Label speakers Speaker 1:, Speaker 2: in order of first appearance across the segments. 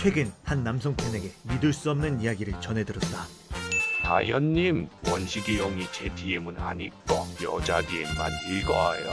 Speaker 1: 최근 한 남성 팬에게 믿을 수 없는 이야기를 전해 들었다.
Speaker 2: 다현님, 원식이 형이 제 DM은 안 읽고 여자 DM만 읽어요.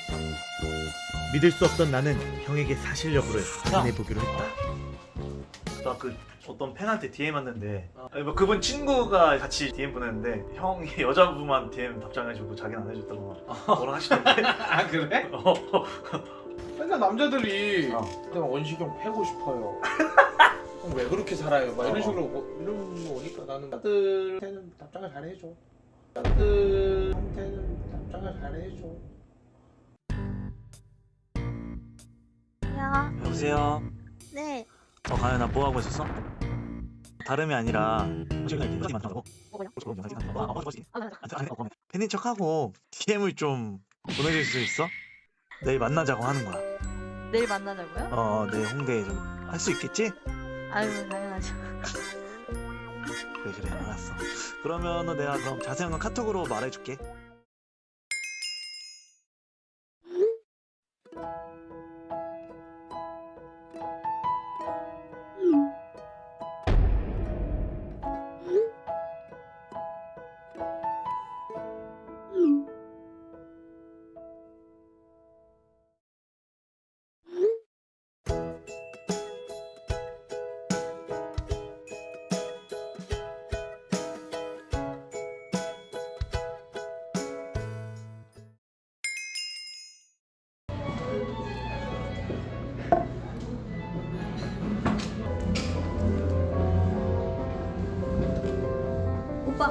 Speaker 1: 믿을 수 없던 나는 형에게 사실 여부를 확인해 보기로 했다.
Speaker 3: 나 그 어떤 팬한테 DM 왔는데 아니, 뭐 그분 친구가 같이 DM 보냈는데 형이 여자분만 DM 답장해주고 자기는 안 해줬다고 뭐라 하시던데.
Speaker 4: 아 그래? 맨날 남자들이
Speaker 3: 어.
Speaker 4: 내가 원식형 패고 싶어요. 형 왜 그렇게 살아요? 막 이런 식으로 이런 거 오니까 나는 나들한테는 답장을 잘해줘. 나들한테는 답장을 잘해줘.
Speaker 5: 야,
Speaker 3: 여보세요.
Speaker 5: 네.
Speaker 3: 가연아 뭐 하고 있었어? 다름이 아니라 시간 이렇게 만나고 팬인 척하고 DM을 좀 보내줄 수 있어? 내일 만나자고 하는 거야.
Speaker 5: 내일 만나자고요?
Speaker 3: 내일 홍대에 좀 할 수 있겠지?
Speaker 5: 아유, 당연하죠.
Speaker 3: 그래 알았어. 그러면은 내가 그럼 자세한 건 카톡으로 말해줄게.
Speaker 5: 오빠.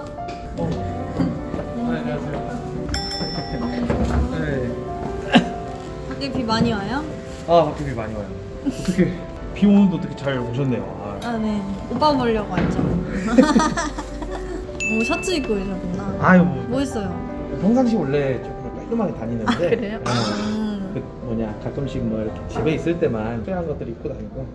Speaker 4: 안녕하세요. 네.
Speaker 5: 밖에 비 많이 와요?
Speaker 4: 아 밖에 비 많이 와요. 어떻게 비 오는데 어떻게 잘 오셨네요.
Speaker 5: 아, 네. 오빠 보려고 왔죠. 오, 셔츠 입고 오셨구나.
Speaker 4: 아유
Speaker 5: 뭐 했어요?
Speaker 4: 평상시 원래 조금 깔끔하게 다니는데.
Speaker 5: 아, 그래요?
Speaker 4: 그 뭐냐 가끔씩 뭐 이렇게 집에 있을 때만 필요한 것들 입고 다니고.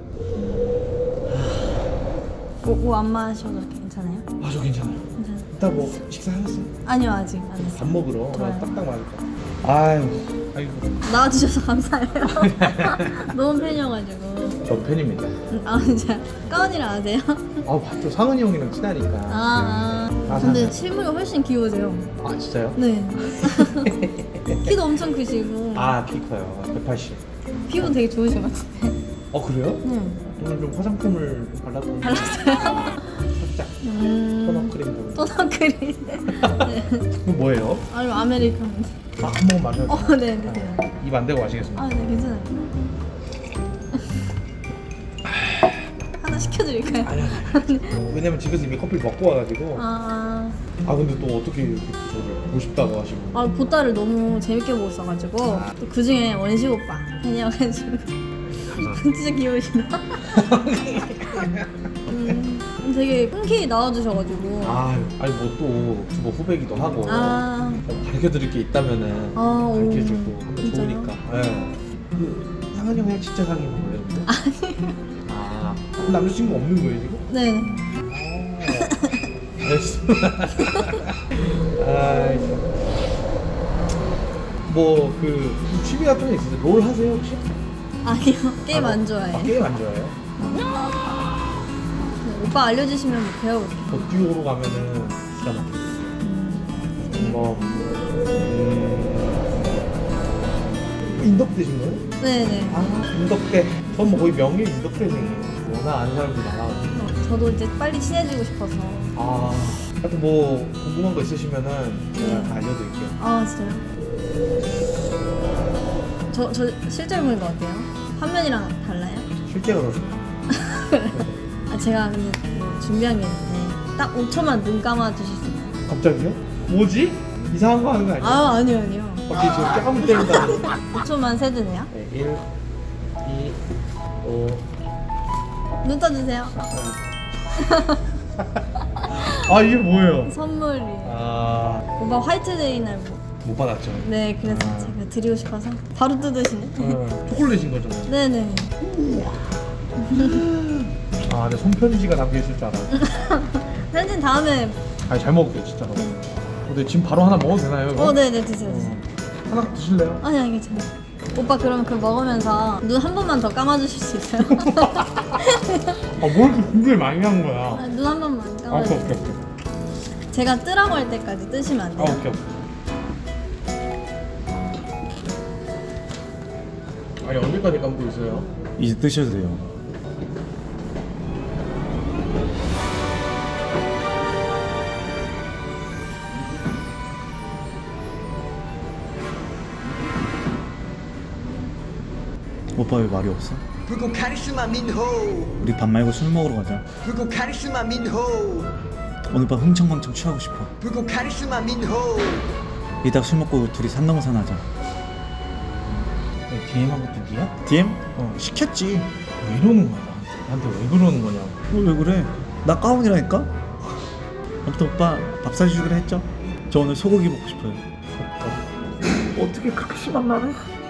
Speaker 5: 뭐 안 마셔도 괜찮아요?
Speaker 4: 아 저 괜찮아요.
Speaker 5: 괜찮아요.
Speaker 4: 이따 뭐 식사하셨어요?
Speaker 5: 아니요, 아직 안 했어요.
Speaker 4: 밥 먹으러
Speaker 5: 좋아요.
Speaker 4: 딱딱 맞을 거. 아유 아이고
Speaker 5: 나와주셔서 감사해요. 너무 팬이어가지고.
Speaker 4: 저 팬입니다.
Speaker 5: 아, 진짜. 가은이랑 아세요?
Speaker 4: 아 봤죠 상은이 형이랑 친하니까.
Speaker 5: 근데 실물이 훨씬 귀여우세요.
Speaker 4: 아 진짜요?
Speaker 5: 네. 키도 엄청 크시고.
Speaker 4: 아 키 커요. 180.
Speaker 5: 피부 되게 좋으신 것 같은데.
Speaker 4: 그래요?
Speaker 5: 네.
Speaker 4: 오늘 좀 화장품을 발랐더니
Speaker 5: 발랐어요?
Speaker 4: 살짝 토너 크림 좀.
Speaker 5: 토너 크림. 네.
Speaker 4: 이거 뭐예요?
Speaker 5: 아유, 아메리카노.
Speaker 4: 한 번 마셔도.
Speaker 5: 네, 드세요.
Speaker 4: 입 안 대고 마시겠습니다.
Speaker 5: 아, 네, 괜찮아요. 하나 시켜드릴까요?
Speaker 4: 아니 왜냐면 집에서 이미 커피를 먹고 와가지고.
Speaker 5: 아,
Speaker 4: 근데 또 어떻게 이렇게 저를 보고 싶다고 하시고.
Speaker 5: 보따를 너무 재밌게 보고 있어가지고 또 그 중에 원식 오빠 팬이어가지고 진짜 귀여우시다. 되게 흔쾌히 나와주셔가지고
Speaker 4: 아니 뭐 또 유튜버 후배기도 하고. 밝혀드릴 게 있다면은
Speaker 5: 오,
Speaker 4: 밝혀주고 하면
Speaker 5: 진짜요?
Speaker 4: 좋으니까. 네. 그 상은이 형이랑 진짜 사귀는 거예요? 아니에요. 그럼 남자친구 없는 거예요 지금?
Speaker 5: 네.
Speaker 4: 알겠어. 뭐그 취미 같은 게 있으세요? 롤 하세요 혹시?
Speaker 5: 아니요, 게임 안 좋아해요.
Speaker 4: 게임 안 좋아해요?
Speaker 5: 네, 오빠 알려주시면 뭐 배워볼게요.
Speaker 4: 듀오로 가면은 기가 막혀요. 뭐 인덕대신 거예요?
Speaker 5: 네네.
Speaker 4: 인덕대. 전 뭐 거의 명예 인덕대생이에요. 워낙 아는 사람들이 많아가지고.
Speaker 5: 저도 이제 빨리 친해지고 싶어서.
Speaker 4: 하여튼 뭐 궁금한 거 있으시면은 제가 다 알려드릴게요.
Speaker 5: 아, 진짜요? 저 실제로 보니까 어때요? 화면이랑 달라요?
Speaker 4: 실제로 그렇습니다.
Speaker 5: 제가 근데 그 준비한 게 있는데 딱 5초만 눈 감아 주실 수 있나요?
Speaker 4: 갑자기요? 뭐지? 이상한 거 하는 거 아니야?
Speaker 5: 아니요.
Speaker 4: 갑자기 저 뺨을 때린다는.
Speaker 5: 5초만 세드네요.
Speaker 4: 네, 1, 2, 5.
Speaker 5: 눈 떠주세요.
Speaker 4: 이게 뭐예요?
Speaker 5: 선물이. 오빠 화이트데이 날 뭐.
Speaker 4: 못 받았죠.
Speaker 5: 네, 그래서 제가 드리고 싶어서 바로 뜯으시네.
Speaker 4: 초콜릿인 거잖아요.
Speaker 5: 네네.
Speaker 4: 내 손편지가 담겨있을 줄 알았는데.
Speaker 5: 사진 다음에.
Speaker 4: 잘 먹을게요, 진짜로. 근데 지금 바로 하나 먹어도 되나요? 이거?
Speaker 5: 네네, 드세요.
Speaker 4: 하나 드실래요?
Speaker 5: 아니, 괜찮아요. 오빠 그러면 그거 먹으면서 눈 한 번만 더 감아주실 수 있어요?
Speaker 4: 뭘 이렇게 준비를 많이 한 거야?
Speaker 5: 아, 눈 한 번만
Speaker 4: 오케이
Speaker 5: 감아주세요.
Speaker 4: 오케이 오케이.
Speaker 5: 제가 뜨라고 할 때까지 뜨시면 안 돼요?
Speaker 4: 오케이. 아니 언제까지 감고 있어요?
Speaker 1: 이제 뜨셔도 돼요. 오빠 왜 말이 없어?
Speaker 6: 불꽃 카리스마 민호
Speaker 1: 우리 밥 말고 술 먹으러 가자.
Speaker 6: 불꽃 카리스마 민호
Speaker 1: 오늘 밤 흥청망청 취하고 싶어.
Speaker 6: 불꽃 카리스마 민호
Speaker 1: 이따 술 먹고 둘이 산 넘산 하자.
Speaker 4: DM하고 뚝이야?
Speaker 1: DM? 시켰지.
Speaker 4: 왜 이러는 거야 나한테 왜 그러는 거냐고.
Speaker 1: 왜 그래? 나 가운이라니까? 아무튼 오빠 밥 사주기로 했죠? 저 오늘 소고기 먹고 싶어요. 어떻게 그렇게 심한 말을?